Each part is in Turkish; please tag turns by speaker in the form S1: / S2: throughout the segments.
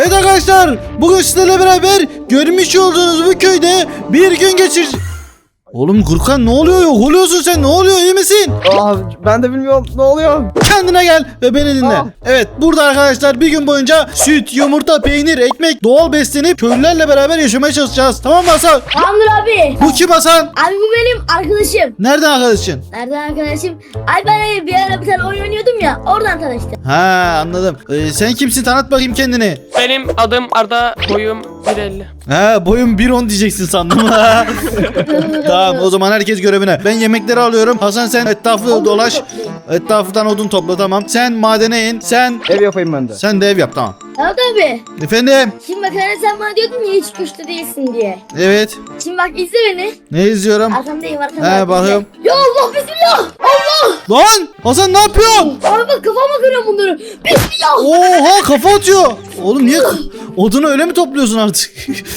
S1: Evet arkadaşlar, bugün sizlerle beraber görmüş olduğunuz bu köyde bir gün geçir... Oğlum Gürkan ne oluyor? Yok oluyorsun sen, ne oluyor, iyi misin?
S2: Ben de bilmiyorum ne oluyor.
S1: Kendine gel ve beni dinle. Evet, burada arkadaşlar bir gün boyunca süt, yumurta, peynir, ekmek, doğal beslenip köylülerle beraber yaşamaya çalışacağız. Tamam mı Hasan?
S3: Tamamdır abi.
S1: Bu kim Hasan?
S3: Abi bu benim arkadaşım.
S1: Nereden arkadaşın?
S3: Nereden arkadaşım? Ay ben bir ara bir tane oyun oynuyordum ya, oradan tanıştım.
S1: Ha, anladım. Sen kimsin? Tanıt bakayım kendini.
S4: Benim adım Arda, boyum 1.50.
S1: Ha, boyum 1.10 diyeceksin sandım. Tamam, o zaman herkes görevine. Ben yemekleri alıyorum. Hasan sen etrafı dolaş. Etrafından odun topla, tamam. Sen madene in.
S2: Ev yapayım ben de.
S1: Sen de ev yap, tamam.
S3: Evet abi.
S1: Efendim?
S3: Şimdi bak hani sen bana diyordun ya hiç güçlü değilsin diye.
S1: Evet.
S3: Şimdi bak izle beni.
S1: Ne izliyorum?
S3: Arkamdayım arkamda.
S1: He, bakıyorum.
S3: Ya Allah bismillah. Allah.
S1: Lan! Hasan ne yapıyorsun?
S3: Abi bak kafama kırıyorum bunları. Bismillah.
S1: Oha, kafa atıyor. Oğlum niye odunu öyle mi topluyorsun artık?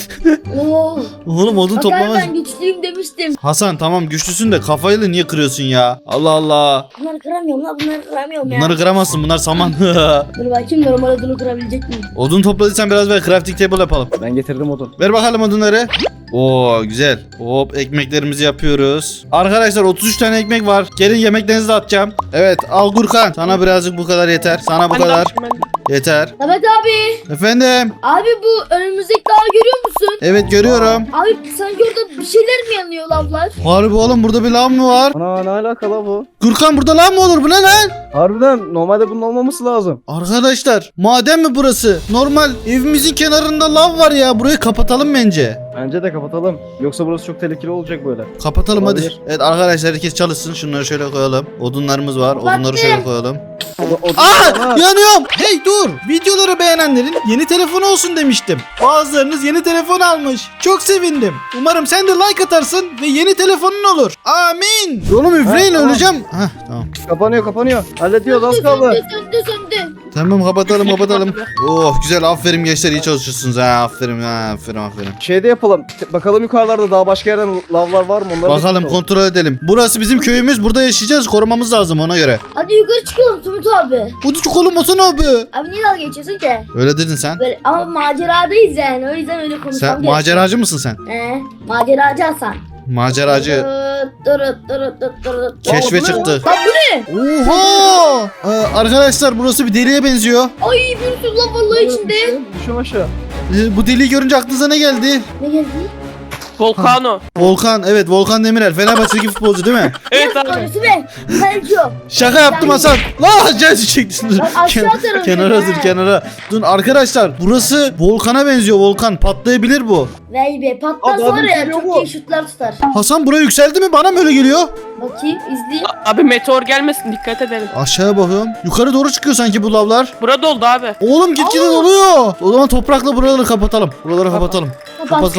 S3: Oo.
S1: Oğlum odun
S3: Bak abi
S1: toplamaz.
S3: ben güçlüyüm demiştim.
S1: Hasan tamam güçlüsün de kafayla niye kırıyorsun ya? Allah Allah.
S3: Bunları kıramıyorum lan, bunları kıramıyorum ya.
S1: Bunları kıramazsın, bunlar saman.
S3: Dur bakayım normal odunu kırabilecek miyim?
S1: Odun topladıysan biraz ver, crafting table yapalım.
S2: Ben getirdim odun.
S1: Ver bakalım odunları. Oo güzel. Hop, ekmeklerimizi yapıyoruz. Arkadaşlar 33 tane ekmek var. Gelin yemeklerinizi de atacağım. Evet al Gürkan. Sana birazcık bu kadar yeter. Sana bu
S4: Ben de
S1: kadar
S4: yapayım, ben de.
S1: yeter.
S3: Evet abi.
S1: Efendim.
S3: Abi bu önümüzdeki dağı görüyor musun?
S1: Evet görüyorum.
S3: Abi sanki orada bir şeyler mi yanıyor lavlar?
S1: Harbi oğlum, burada bir lav mı var?
S2: Ana ne alakalı bu?
S1: Gürkan burada lav mı olur? Bu ne lan?
S2: Harbiden normalde bunun olmaması lazım.
S1: Arkadaşlar maden mi burası? Normal evimizin kenarında lav var ya. Burayı kapatalım bence.
S2: Bence de kapatalım. Yoksa burası çok tehlikeli olacak böyle.
S1: Kapatalım
S2: Olabilir.
S1: hadi. Evet arkadaşlar herkes çalışsın. Şunları şöyle koyalım. Odunlarımız var. Odunları şöyle koyalım. Aa, yanıyorum. Hey dur. Videoları beğenenlerin yeni telefonu olsun demiştim. Bazılarınız yeni telefon almış. Çok sevindim. Umarım sen de like atarsın ve yeni telefonun olur. Amin. Oğlum üfleyin,
S2: tamam.
S1: öleceğim. Hah tamam.
S2: Kapanıyor. Hallediyoruz az kaldı.
S3: Söndü.
S1: Tamam kapatalım. Oh güzel, aferin gençler, iyi çalışıyorsunuz ha. Aferin.
S2: Şeyde yapalım. Bakalım yukarılarda daha başka yerden lavlar var mı? Onları
S1: Bakalım kontrol edelim. Burası bizim köyümüz. Burada yaşayacağız. Korumamız lazım ona göre.
S3: Hadi yukarı çıkalım Tumut abi.
S1: Hadi çıkalım Hasan abi.
S3: Abi niye dalga geçiyorsun ki?
S1: Öyle dedin sen.
S3: Böyle, ama maceradayız yani, o yüzden öyle konuşmam
S1: Sen
S3: gerekiyor.
S1: maceracı mısın sen?
S3: Maceracı Hasan.
S1: Maceracı. Keşfe
S2: Aa, bu ne?
S1: çıktı.
S3: Lan bu ne?
S1: Oha! Arkadaşlar burası bir deliğe benziyor.
S3: Ay bir sürü lan vallahi içinde.
S2: Düşün aşağı.
S1: Bu deliği görünce aklınıza ne geldi?
S3: Ne geldi?
S4: Volcano.
S1: Volkan, evet Volkan Demirel. Fenerbahçe'deki futbolcu değil mi?
S4: Evet abi.
S3: Orası be. Kalkıyor.
S1: Şaka yaptım Hasan. La cezi çektin.
S3: Lan aşağı atarım
S1: Kenara
S3: seni,
S1: dur,
S3: he.
S1: kenara. Dur arkadaşlar, burası volkana benziyor, volkan. Patlayabilir bu.
S3: Vay be patlar
S2: Abi,
S3: var ya,
S2: geliyor
S3: çok
S2: bu.
S3: iyi şutlar tutar.
S1: Hasan buraya yükseldi mi? Bana mı öyle geliyor?
S3: Bakayım izleyeyim.
S4: Abi meteor gelmesin, dikkat edelim.
S1: Aşağıya bakıyorum. Yukarı doğru çıkıyor sanki bu lavlar.
S4: Burada oldu abi.
S1: Oğlum gitgide doluyor. O zaman toprakla buraları kapatalım. Buraları kapatalım. Kapat.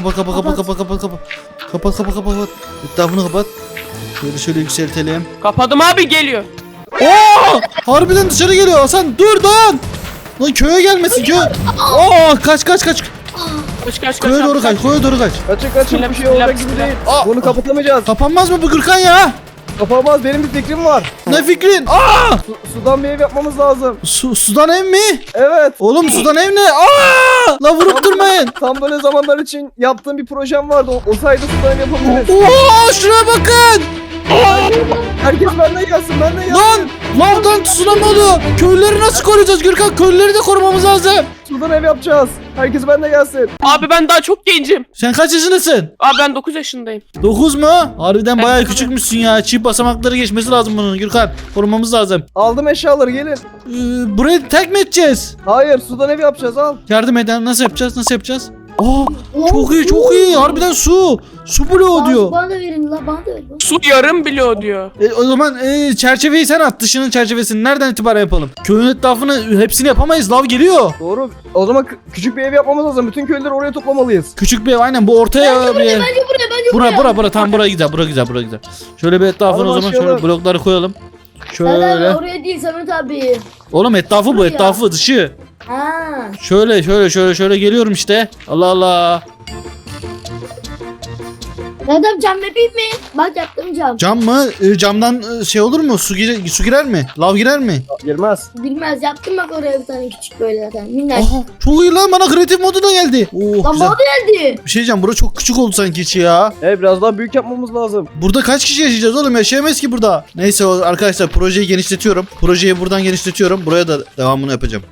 S1: Kapat. Etrafını kapat. Şöyle yükseltelim.
S4: Kapadım abi, geliyor.
S1: Oo! Harbiden dışarı geliyor Hasan. Dur dayan. Lan köye gelmesin köy. Oo, kaç.
S4: Kaç
S1: Köye doğru kaç. Köye doğru kaç.
S2: Kaçın bir şey olacak gibi değil.
S1: Aa!
S2: Bunu kapatamayacağız.
S1: Kapanmaz mı bu Gürkan ya?
S2: Kapamaz, benim bir fikrim var.
S1: Ne fikrin? Aa!
S2: Sudan bir ev yapmamız lazım.
S1: Sudan ev mi?
S2: Evet.
S1: Oğlum sudan ev ne? Aa! La vurup durmayın.
S2: Tam böyle zamanlar için yaptığım bir projem vardı. O sayede sudan ev yapabiliriz.
S1: Oo, şuraya bakın.
S2: Herkes benden gelsin.
S1: Lan lavdan tsunami oluyor. Köylüleri nasıl koruyacağız Gürkan? Köylüleri de korumamız lazım.
S2: Sudan ev yapacağız. Herkes benden gelsin.
S4: Abi ben daha çok gencim.
S1: Sen kaç yaşındasın?
S4: Abi ben 9 yaşındayım.
S1: 9 mu? Harbiden bayağı küçükmüşsün ya. Çift basamakları geçmesi lazım bunun Gürkan. Korumamız lazım.
S2: Aldım eşyaları, gelin.
S1: Burayı tek mi edeceğiz?
S2: Hayır, sudan ev yapacağız, al.
S1: Yardım eden nasıl yapacağız? Aa, çok iyi. Harbiden su. Su bloğu diyor.
S3: Bana da verin la, bana da verin.
S4: Su yarım biliyor diyor.
S1: O zaman çerçeveyi sen at. Dışının çerçevesini nereden itibaren yapalım? Köyün etrafını hepsini yapamayız. Lav geliyor.
S2: Doğru. O zaman küçük bir ev yapmamız lazım. Bütün köylüleri oraya toplamalıyız.
S1: Küçük bir ev, aynen bu ortaya bir ev.
S3: Bence buraya.
S1: Bura tam buraya güzel. Şöyle bir etrafını
S2: Hadi
S1: o zaman
S2: başlayalım.
S1: şöyle blokları koyalım.
S3: Şöyle.
S1: Şöyle.
S3: Oraya değil Samet abi.
S1: Oğlum etrafı bu,
S3: Buraya.
S1: etrafı dışı.
S3: Ha.
S1: Şöyle geliyorum işte. Allah Allah.
S3: Adam cam yapayım mı? Bak yaptım cam.
S1: Cam mı? Camdan şey olur mu? Su girer mi? Lav girer mi?
S2: Girmez.
S3: Bilmez yaptım bak oraya bir tane küçük böyle zaten. Minnak.
S1: Aha, çok iyi lan, bana kreatif modu da geldi. Oh,
S3: Lan
S1: güzel.
S3: bana da geldi.
S1: Bir şey diyeceğim, bura çok küçük oldu sanki içi ya.
S2: Biraz daha büyük yapmamız lazım.
S1: Burada kaç kişi yaşayacağız oğlum? Yaşayamayız ki burada. Neyse arkadaşlar, projeyi genişletiyorum. Projeyi buradan genişletiyorum. Buraya da devamını yapacağım.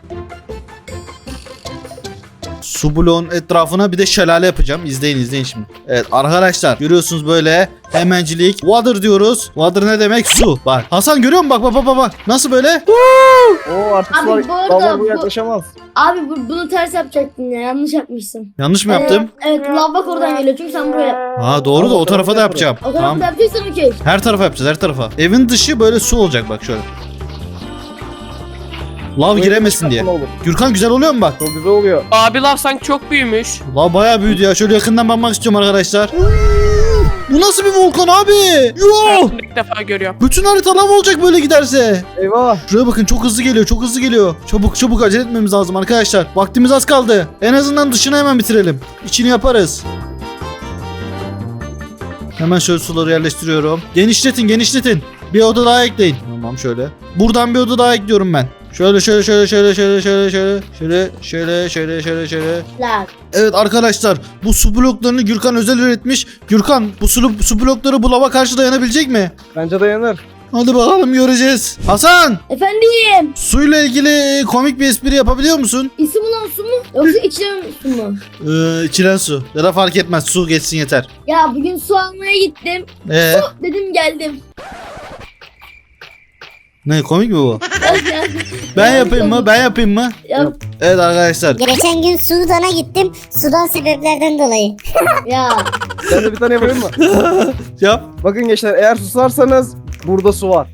S1: Su bloğun etrafına bir de şelale yapacağım. İzleyin şimdi. Evet arkadaşlar, görüyorsunuz böyle hemencilik. Water diyoruz. Water ne demek? Su. Bak Hasan, görüyor musun? Bak. Nasıl böyle?
S2: Oo artık
S3: Abi,
S2: sular,
S3: bu arada
S2: lavlar bu
S3: bu-
S2: yaklaşamaz.
S3: Abi bunu ters yapacaktın ya. Yanlış yapmışsın.
S1: Yanlış mı yaptım?
S3: Evet lav bak oradan geliyor çünkü sen buraya yap.
S1: Ha doğru da o tarafa da yapacağım.
S3: O tarafı
S1: Tamam.
S3: da yapacaksan okey.
S1: Her tarafa yapacağız, her tarafa. Evin dışı böyle su olacak bak şöyle. Lav giremesin diye.
S2: Olur.
S1: Gürkan, güzel oluyor mu bak?
S2: Çok güzel oluyor.
S4: Abi lav sanki çok büyümüş.
S1: Lav bayağı büyüdü ya. Şöyle yakından bakmak istiyorum arkadaşlar. Bu nasıl bir volkan abi? Yo!
S4: Hayatımda ilk defa görüyorum.
S1: Bütün harita lav olacak böyle giderse.
S2: Eyvah.
S1: Şuraya bakın, çok hızlı geliyor, çok hızlı geliyor. Çabuk acele etmemiz lazım arkadaşlar. Vaktimiz az kaldı. En azından dışını hemen bitirelim. İçini yaparız. Hemen şöyle suları yerleştiriyorum. Genişletin. Bir oda daha ekleyin. Tamam şöyle. Buradan bir oda daha ekliyorum ben. Şöyle.
S3: Lav.
S1: Evet arkadaşlar, bu su bloklarını Gürkan özel üretmiş. Gürkan, bu su blokları bu lava karşı dayanabilecek mi?
S2: Bence dayanır.
S1: Hadi bakalım, göreceğiz. Hasan,
S3: Efendim.
S1: suyla ilgili komik bir espri yapabiliyor musun?
S3: İsim olan su mu? Yoksa içilen su mu?
S1: İçilen su. Ya da fark etmez, su geçsin yeter.
S3: Ya bugün su almaya gittim. Dedim geldim.
S1: Ne, komik mi bu?
S3: Ya,
S1: Ben yapayım mı?
S3: Ya,
S1: Evet arkadaşlar.
S5: Geçen gün Sudan'a gittim. Sudan sebeplerden dolayı.
S3: ya.
S2: Ben de bir tane yapayım mı?
S1: Yap.
S2: Bakın gençler, eğer susarsanız burada su var.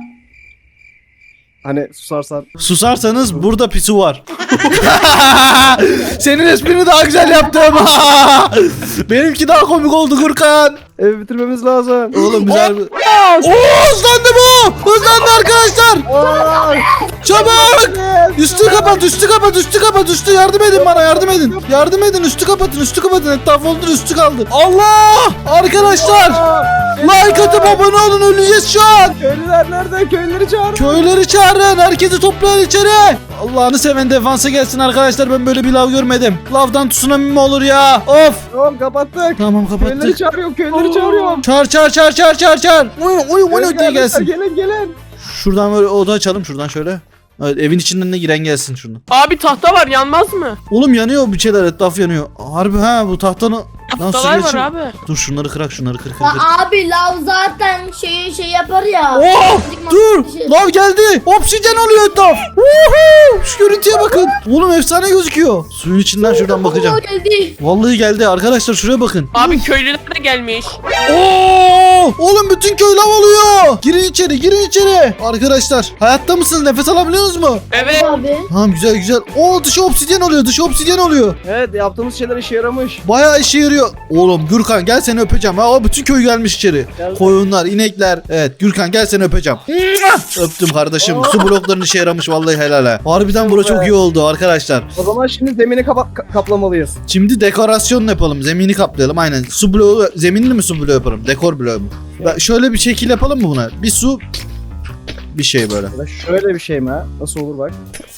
S2: Hani susarsan.
S1: Susarsanız burada pisu var. Senin esprini daha güzel yaptım. Benimki daha komik oldu Gürkan.
S2: Evi bitirmemiz lazım.
S1: Oğlum güzel. Oo, hızlandı bu. Hızlandı arkadaşlar.
S2: Aa,
S1: Çabuk. Üstü kapat. Yardım edin bana, yardım edin. Üstü kapatın. Etraf oldu, üstü kaldı. Allah. Arkadaşlar. Like atıp abone olun, öleceğiz şu an.
S2: köylüler nerede? Köylüleri çağır.
S1: Köyleri çağırın. Herkesi toplayın içeri. Allah'ını seven defansa gelsin arkadaşlar. Ben böyle bir lav görmedim. Lavdan tsunami mi olur ya? Of.
S2: Tamam kapattık.
S1: Tamam,
S2: Köylüleri
S1: kapattık.
S2: çağırıyorum. Köylüleri çağırıyorum.
S1: Çağır. Oy diye gelsin.
S2: Gelin.
S1: Şuradan böyle oda açalım, şuradan şöyle. Evet, evin içinden de giren gelsin şuradan.
S4: Abi tahta var, yanmaz mı?
S1: Oğlum yanıyor bir şeyler, etraf yanıyor. Harbi ha, bu tahtanı...
S4: Tahtalar var abi.
S1: Dur şunları kır.
S3: Ya abi lav zaten şey yapar ya.
S1: Oh! Dur!
S3: Bir şey-
S1: Lav geldi! Oksijen oluyor etraf! Woohoo! Şu görüntüye bakın. Oğlum efsane gözüküyor. Suyun içinden şuradan bakacağım.
S3: Oo, geldi.
S1: Vallahi geldi arkadaşlar, şuraya bakın.
S4: Abi köylüler de gelmiş.
S1: Oo! Oğlum bütün köy lav oluyor. Girin içeri. Arkadaşlar hayatta mısınız? Nefes alabiliyorsunuz mu?
S4: Evet.
S3: Abi.
S1: Tamam, güzel. Oo, dışı obsidyen oluyor.
S2: Evet, yaptığımız şeyler işe yaramış.
S1: Bayağı işe yarıyor. Oğlum Gürkan, gel seni öpeceğim. Ha, bütün köy gelmiş içeri.
S2: Gel.
S1: Koyunlar, inekler. Evet Gürkan, gel seni öpeceğim. Öptüm kardeşim. Su bloklarının işe yaramış vallahi, helal ha. Harbiden bura çok iyi oldu arkadaşlar.
S2: O zaman şimdi zemini kaplamalıyız.
S1: Şimdi dekorasyon yapalım. Zemini kaplayalım aynen. Su bloğu, zeminli mi su bloğu yaparım? Dekor bloğu mu? Şöyle bir şekil yapalım mı buna? Bir su, bir şey böyle.
S2: Ya da şöyle bir şey mi ha? Nasıl olur bak.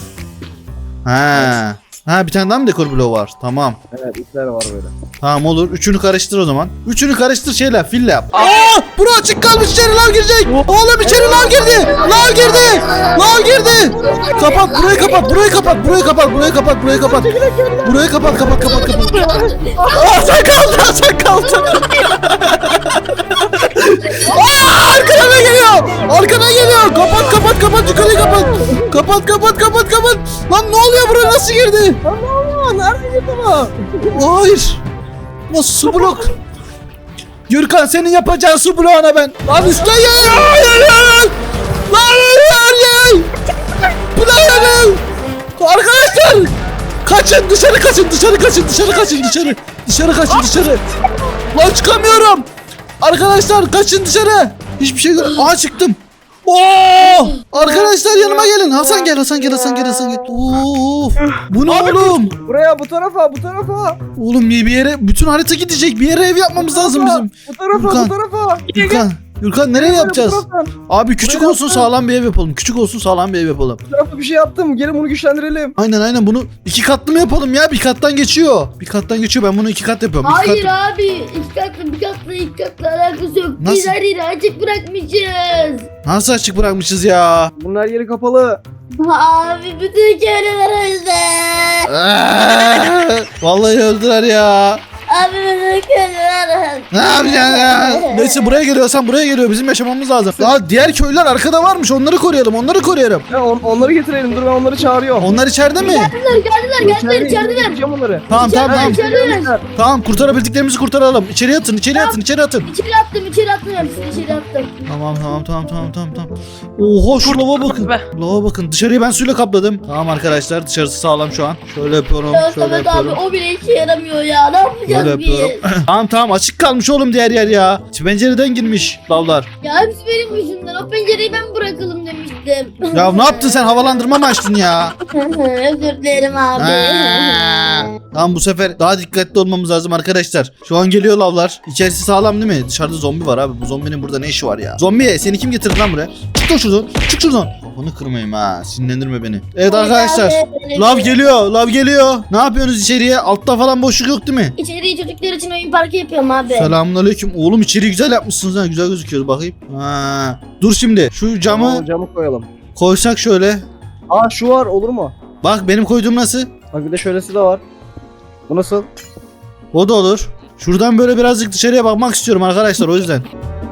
S1: Ha, bir tane daha mı dekor bloğu var? Tamam.
S2: Evet, ipler var böyle.
S1: Tamam, olur. Üçünü karıştır o zaman. Üçünü karıştır, şeyle, fille yap. Aa! Bura açık kalmış, içeri lav girecek. Oğlum içeri lav girdi. Lav girdi. Kapat, burayı kapat. Aa, sen kaldın. Aa, arkana geliyor. Kapat, yukarıyı kapat. Kapat. Lan ne oluyor, buraya nasıl girdi?
S2: Allah, nerede girdi bu?
S1: Hayır. Nasıl su blok? Gürkan, senin yapacağın su bloğuna ben. Lan üstte Hayır. Bu ne yani? Arkadaşlar. Kaçın, dışarı kaçın. Dışarı. Lan çıkamıyorum. Arkadaşlar kaçın dışarı. Hiçbir şey göremiyorum. Aa, çıktım. Oo! Arkadaşlar yanıma gelin. Hasan gel, Hasan gel, Hasan gel, Hasan gel. Of! Bu ne oğlum?
S2: Buraya, bu tarafa, bu tarafa.
S1: Oğlum bir yere bütün harita gidecek. Bir yere ev yapmamız lazım bizim.
S2: Bu tarafa,
S1: Gürkan.
S2: bu tarafa.
S1: Gürkan nereye yapacağız?
S2: Bu tarafa.
S1: Abi küçük
S2: Buraya
S1: olsun
S2: yaptım.
S1: sağlam bir ev yapalım. Küçük olsun sağlam bir ev yapalım.
S2: Bu tarafa bir şey yaptım. Gelin bunu güçlendirelim.
S1: Aynen bunu 2 katlı mı yapalım ya? Bir kattan geçiyor. Bir kattan geçiyor. Ben bunu 2 kat yapıyorum. İki
S3: Hayır
S1: kat...
S3: abi. İki katlı bir katlı iki katlı alakası yok.
S1: Nasıl?
S3: Biz her yeri açık bırakmışız.
S1: Nasıl açık bırakmışız ya?
S2: Bunun her yeri kapalı.
S3: Abi bütün köylüler öldü.
S1: Vallahi öldüler ya.
S3: Abi bütün köylüler öldü.
S1: Ne yapacaksın ya? Neyse buraya geliyorsan buraya geliyor. Bizim yaşamamız lazım. Daha diğer köylüler arkada varmış. Onları koruyalım. Onları koruyalım.
S2: Ya onları getirelim. Dur ben onları çağırıyorum.
S1: Onlar içeride mi?
S3: Geldiler içerideler.
S2: Getireceğim onları.
S1: Tamam tamam.
S3: İçerideler.
S1: Tamam kurtarabildiklerimizi kurtaralım. İçeri atın, içeri atın, içeri atın.
S3: İçeri attım hepsini içeri attım.
S1: Tamam. Oha şu lava bakın.
S4: Be.
S1: Lava bakın. Dışarıyı ben suyla kapladım. Tamam arkadaşlar dışarısı sağlam şu an. Şöyle yapıyorum.
S3: Ya
S1: Şöyle
S3: Samet abi
S1: yapıyorum.
S3: o bile işe yaramıyor ya. Ne
S1: Böyle
S3: yapacağız biz?
S1: yapıyorum. Tamam açık kalmış oğlum diğer yer ya. Pencereden girmiş lavlar.
S3: Ya hepsi benim yüzümden. O pencereyi ben bırakalım demiştim.
S1: Ya ne yaptın sen, havalandırma mı açtın ya?
S3: Özür dilerim abi.
S1: Tamam bu sefer daha dikkatli olmamız lazım arkadaşlar. Şu an geliyor lavlar. İçerisi sağlam değil mi? Dışarıda zombi var abi. Bu zombinin burada ne işi var ya? Zombi seni kim getirdi lan buraya? Çık lan şuradan. Çık şuradan. Kafanı kırmayayım ha. Sinirlendirme beni. Evet arkadaşlar. Lav geliyor. Lav geliyor. Ne yapıyorsunuz içeriye? Altta falan boşluk yok değil mi?
S3: İçeriği çocuklar için oyun parkı yapıyorum abi.
S1: Selamünaleyküm. Oğlum içeriği güzel yapmışsınız ha. Güzel gözüküyor bakayım. Ha. Dur şimdi. Şu camı
S2: Camı koyalım.
S1: koysak şöyle.
S2: Aa şu var, olur mu?
S1: Bak benim koyduğum nasıl?
S2: Bak bir de şöylesi de var. Bu nasıl?
S1: O da olur. Şuradan böyle birazcık dışarıya bakmak istiyorum arkadaşlar o yüzden.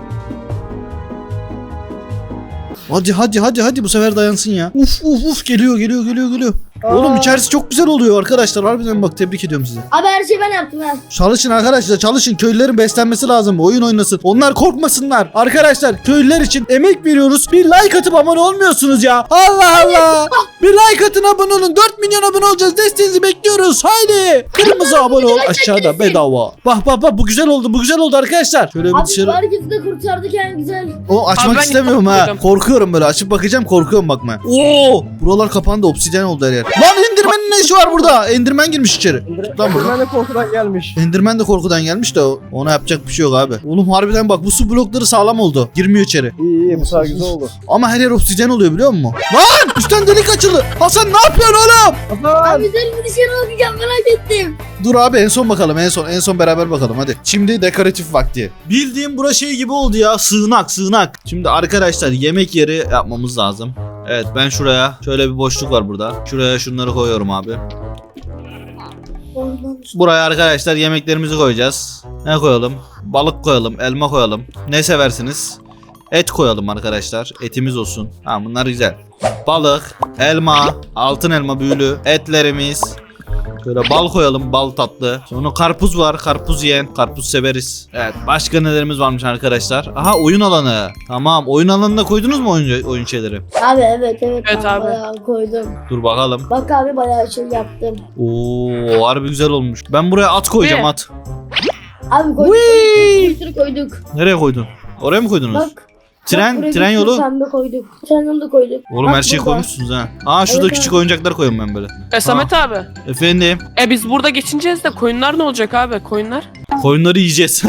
S1: Hadi bu sefer dayansın ya. Uf geliyor. Oğlum içerisi çok güzel oluyor arkadaşlar. Harbiden bak tebrik ediyorum sizi.
S3: Abi her şeyi ben yaptım ha.
S1: Çalışın arkadaşlar çalışın. Köylülerin beslenmesi lazım. Oyun oynasın. Onlar korkmasınlar. Arkadaşlar köylüler için emek veriyoruz. Bir like atıp abone olmuyorsunuz ya. Allah. Bir like atın abone olun. 4 milyon abone olacağız. Desteğinizi bekliyoruz. Haydi. Kırmızı abone ol. Aşağıda bedava. Bak bu güzel oldu arkadaşlar. Şöyle bir
S3: Abi
S1: dışarı.
S3: herkesi de kurtardık en güzel.
S1: O açmak
S4: Abi ben
S1: istemiyorum ha.
S4: korkuyorum.
S1: Korkuyorum böyle. Açıp bakacağım korkuyorum bakma. Oo! Buralar kapandı. Obsidyen oldu her yer. Lan Enderman'in ne işi var burada? Enderman girmiş içeri. Lan burada.
S2: Ben de korkudan gelmiş.
S1: Enderman de korkudan gelmiş de ona yapacak bir şey yok abi. Oğlum harbiden bak bu su blokları sağlam oldu. Girmiyor içeri.
S2: İyi bu sefer güzel oldu.
S1: Ama her yer obsidyen oluyor biliyor musun? Lan üstten delik açıldı. Hasan ne yapıyorsun oğlum?
S2: Hasan!
S3: Abi güzel bir dışarı bakacağım merak ettim.
S1: Dur abi en son bakalım en son beraber bakalım hadi. Şimdi dekoratif vakti. Bildiğim bura şey gibi oldu ya sığınak. Şimdi arkadaşlar yemek yeri yapmamız lazım. Evet ben şuraya şöyle bir boşluk var burada. Şuraya şunları koyuyorum abi. Buraya arkadaşlar yemeklerimizi koyacağız. Ne koyalım? Balık koyalım, elma koyalım. Ne seversiniz? Et koyalım arkadaşlar. Etimiz olsun. Ha bunlar güzel. Balık, elma, altın elma büyülü, etlerimiz. Şöyle bal koyalım, bal tatlı. Sonra karpuz var, karpuz yiyen, karpuz severiz. Evet, başka nelerimiz varmış arkadaşlar? Aha oyun alanı. Tamam, oyun alanına koydunuz mu oyun şeyleri?
S3: Abi evet
S4: Evet
S3: ben
S4: abi.
S3: bayağı koydum.
S1: Dur bakalım.
S3: Bak abi bayağı şey yaptım.
S1: Oo, harbi güzel olmuş. Ben buraya at koyacağım
S4: Ne?
S1: at.
S3: Abi koyduk.
S1: Whee!
S3: Bir sürü koyduk.
S1: Nereye koydun? Oraya mı koydunuz?
S3: Bak.
S1: Tren
S3: buraya
S1: tren
S3: bir sürü
S1: yolu.
S3: Pembe koyduk. Tren yolu da koyduk.
S1: Oğlum
S3: Bak
S1: her şeyi
S3: burada.
S1: koymuşsunuz ha. Aa şurada
S3: Evet,
S1: küçük
S3: abi.
S1: oyuncaklar koyuyorum ben böyle.
S4: Samet abi.
S1: Efendim.
S4: Biz burada geçineceğiz de koyunlar ne olacak abi? Koyunlar?
S1: Koyunları yiyeceğiz.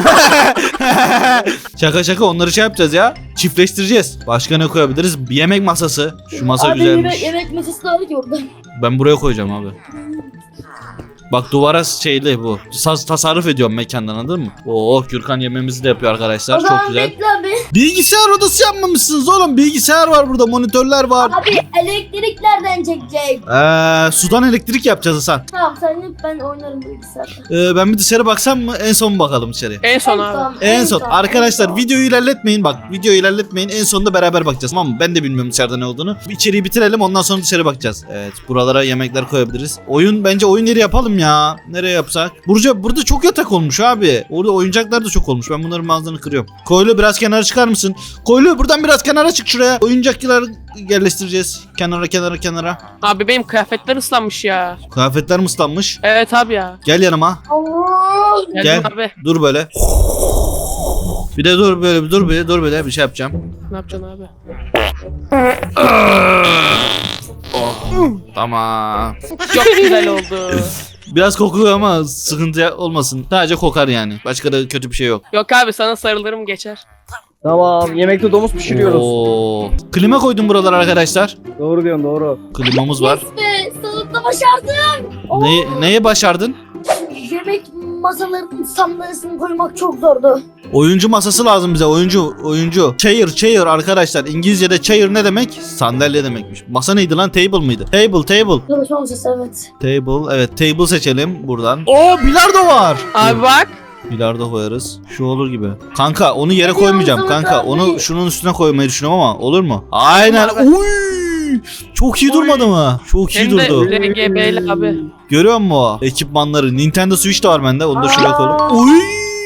S1: şaka onları şey yapacağız ya. Çiftleştireceğiz. Başka ne koyabiliriz? Bir yemek masası. Şu masa
S3: Abi
S1: güzelmiş.
S3: yemek masası da var ki orada.
S1: Ben buraya koyacağım abi. Bak duvara şeyli bu. Tasarruf ediyorum mekandan anladın mı? Oo Gürkan yemeğimizi de yapıyor arkadaşlar.
S3: O
S1: Çok
S3: zaman
S1: güzel.
S3: bekle abi.
S1: Bilgisayar odası yapmamışsınız oğlum. Bilgisayar var burada. Monitörler var.
S3: Abi elektrik nereden çekecek?
S1: Sudan elektrik yapacağız Hasan.
S3: Tamam sen yap ben oynarım bilgisayarda.
S1: Ben bir dışarı baksam mı? En son mu bakalım dışarıya?
S4: En son abi.
S1: En son. Arkadaşlar videoyu ilerletmeyin bak. Videoyu ilerletmeyin. En sonunda beraber bakacağız tamam mı? Ben de bilmiyorum dışarıda ne olduğunu. İçeriği bitirelim ondan sonra dışarı bakacağız. Evet buralara yemekler koyabiliriz. Bence oyun yeri yapalım ya. Nereye yapsak? Burada çok yatak olmuş abi. Orada oyuncaklar da çok olmuş. Ben bunların bazılarını kırıyorum. Koylu biraz kenara çıkar mısın? Koylu buradan biraz kenara çık şuraya. Oyuncaklar yerleştireceğiz. Kenara.
S4: Abi benim kıyafetler ıslanmış ya.
S1: Kıyafetler mi ıslanmış?
S4: Evet abi ya.
S1: Gel yanıma.
S3: Allah.
S4: Geldim
S1: Gel.
S4: abi.
S1: Dur böyle. Bir de dur böyle bir şey yapacağım.
S4: Ne yapacaksın abi?
S1: Tamam.
S4: Çok güzel oldu.
S1: Biraz kokuyor ama sıkıntı olmasın. Sadece kokar yani. Başka da kötü bir şey yok.
S4: Yok abi sana sarılırım geçer.
S2: Tamam, yemekte domuz pişiriyoruz.
S1: Oo. Klima koydum buralar arkadaşlar.
S2: Doğru diyorsun, doğru.
S1: Klimamız var.
S3: Yes be, sonunda başardım.
S1: Neye başardın?
S3: Yemek masalarının sandalyesini koymak çok zordu.
S1: Oyuncu masası lazım bize. Oyuncu. Chair arkadaşlar. İngilizce'de chair ne demek? Sandalye demekmiş. Masa neydi lan? Table mıydı? Table.
S3: Çalışma masası evet.
S1: Table. Evet, table seçelim buradan. Oo, bilardo var.
S4: Abi bak.
S1: Bilardo koyarız. Şu olur gibi. Kanka onu yere
S3: Hadi
S1: koymayacağım
S3: o zaman
S1: kanka.
S3: abi.
S1: Onu şunun üstüne koymayı düşünüyorum ama olur mu? Aynen. Uy! Çok iyi durmadı mı? Çok iyi
S4: Hem de
S1: durdu.
S4: RGB'li abi.
S1: Görüyor musun o ekipmanları? Nintendo Switch de var bende. Onu da şuraya koyalım. Uy!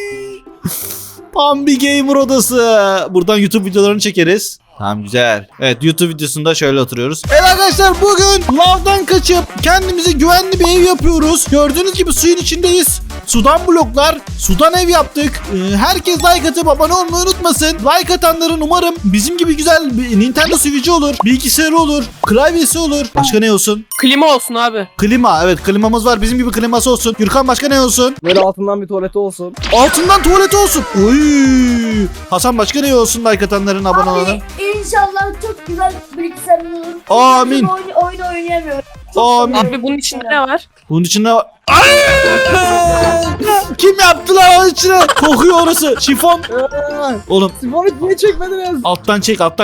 S1: Pambi Gamer odası. Buradan YouTube videolarını çekeriz. Tamam, güzel. Evet, YouTube videosunda şöyle oturuyoruz. Evet arkadaşlar, bugün lavdan kaçıp kendimize güvenli bir ev yapıyoruz. Gördüğünüz gibi suyun içindeyiz. Sudan bloklar, sudan ev yaptık. Herkes like atıp abone olmayı unutmasın. Like atanların umarım bizim gibi güzel bir Nintendo Switch'i olur, bilgisayarı olur, klavyesi olur. Başka ne olsun?
S4: Klima olsun abi.
S1: Klima, evet klimamız var. Bizim gibi kliması olsun. Gürkan, başka ne olsun?
S2: Böyle altından bir tuvaleti olsun.
S1: Altından tuvaleti olsun. Oy! Hasan, başka ne olsun like atanların, abone olanların?
S3: Abi inşallah çok güzel bilgisayar olur.
S1: Amin.
S3: Oyun oynayamıyorum.
S1: Amin.
S4: Abi bunun içinde ne var?
S1: Bunun içinde var. Kim yaptı lan onun içine? Kokuyor orası. Şifon. Oğlum
S2: Sifonu niye çekmediniz?
S1: alttan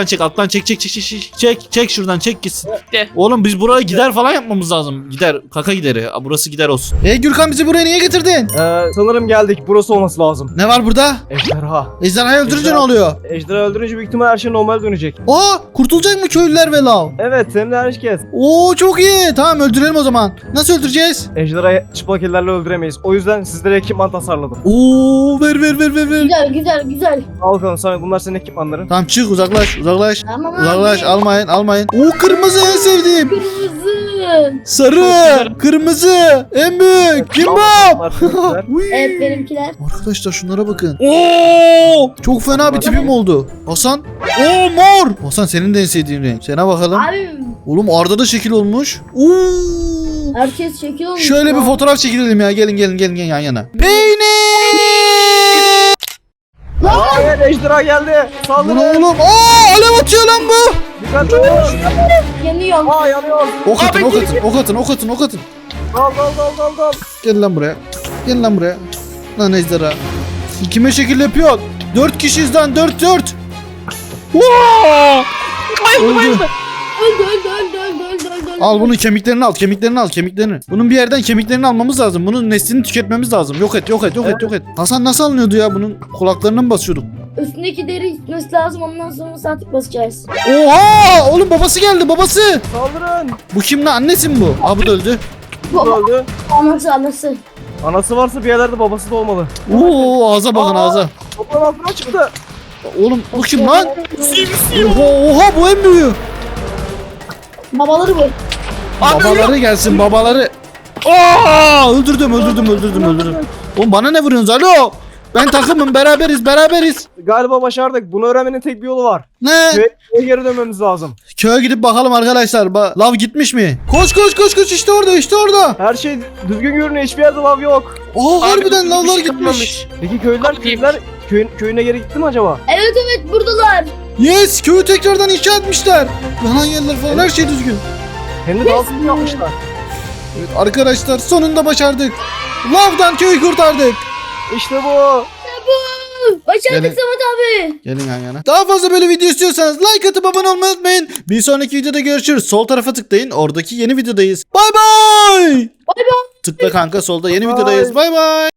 S1: çek şuradan çek gitsin.
S4: Gitti.
S1: Oğlum biz buraya gider falan yapmamız lazım. Gider, kaka gideri. Burası gider olsun. Gürkan, bizi buraya niye getirdin?
S2: Sanırım geldik. Burası olması lazım.
S1: Ne var burada?
S2: Ejderha.
S1: Ejderhayı öldürünce
S2: Ejderha.
S1: ne oluyor?
S2: Ejderha öldürünce büyük ihtimal her şey normal dönecek.
S1: Aa, kurtulacak mı köylüler ve lav?
S2: Evet, hem de herkes.
S1: Oo, çok iyi. Tamam, öldürelim o zaman. Nasıl öldüreceğiz?
S2: Ejderhayı çıplak ellerle öldüremeyiz. O yüzden sizlere ekipman tasarladım.
S1: Oo, ver.
S3: Güzel.
S2: Al bakalım sana, bunlar senin ekipmanların.
S1: Tamam, çık, uzaklaş.
S3: Tamam abi.
S1: Uzaklaş, almayın. Oo, kırmızı en sevdiğim.
S3: Kırmızı.
S1: Sarı, kırmızı, en büyük. Kim bu?
S2: Bunlar sizler.
S1: Uy.
S3: Evet benimkiler.
S1: Arkadaşlar şunlara bakın. Oo! Çok fena bir tipim oldu. Hasan. Oo, mor. Hasan, senin de en sevdiğin renk. Sana bakalım.
S3: Abi
S1: Oğlum Arda da şekil olmuş. Oo!
S3: herkes şekil olmuş.
S1: Şöyle
S3: ya.
S1: bir fotoğraf çekilelim ya. Gelin yan yana. Peynir!
S2: Hayır, ejderha geldi.
S1: Bu
S2: Saldırın.
S1: ne oğlum? Aa, alev atıyor lan bu.
S2: Dikkatli ol.
S3: Yanıyorum.
S2: Aa, yanıyor.
S1: Ok atın.
S2: Dal.
S1: Gel lan buraya. Lan ejderha. Kime şekil yapıyor? 4 kişiyiz lan, 4. Wow! Öldü.
S3: Öldü.
S1: Al bunun kemiklerini al. Bunun bir yerden kemiklerini almamız lazım. Bunun neslini tüketmemiz lazım. Yok et. Hasan, nasıl alınıyordu ya? Bunun kulaklarına mı basıyorduk?
S3: Üstündeki deri gitmesi lazım, ondan sonra saatlik basacağız.
S1: Oha! Oğlum babası geldi, babası.
S2: Saldırın.
S1: Bu kim lan? Annesi mi bu? Aa, bu da öldü.
S2: Bu öldü.
S3: Anası.
S2: Anası varsa bir yerlerde babası da olmalı.
S1: Oo, ağza bakın,
S2: Aa!
S1: ağza.
S2: Toprağın altına çıktı.
S1: Oğlum bu kim lan? Oha, bu en büyüğü.
S3: Babaları bu.
S1: Babaları gelsin, babaları. Aa, öldürdüm. Oğlum bana ne vuruyorsunuz? Alo. Ben takımım, beraberiz.
S2: Galiba başardık. Bunu öğrenmenin tek bir yolu var.
S1: Ne?
S2: Köye geri dönmemiz lazım.
S1: Köye gidip bakalım arkadaşlar. Lav gitmiş mi? Koş, işte orada.
S2: Her şey düzgün görünüyor. Hiçbir yerde lav yok.
S1: Aa, harbiden
S4: bir
S1: lavlar
S4: şey
S1: gitmiş.
S4: kalmamış.
S2: Peki köylüler köyüne geri gitti mi acaba?
S3: Evet buradalar.
S1: Yes, köyü tekrardan inşa etmişler. Yanan yerler falan, her şey düzgün.
S2: Hem de daha sıkı yapmışlar.
S1: Evet arkadaşlar, sonunda başardık. Lavdan köyü kurtardık.
S2: İşte bu.
S3: Başardık
S1: Gelin.
S3: Samet abi.
S1: Gelin yan yana. Daha fazla böyle video istiyorsanız like atıp abone olmayı unutmayın. Bir sonraki videoda görüşürüz. Sol tarafa tıklayın. Oradaki yeni videodayız. Bay bay. Tıkla kanka, solda yeni
S2: Bye.
S1: videodayız. Bay bay.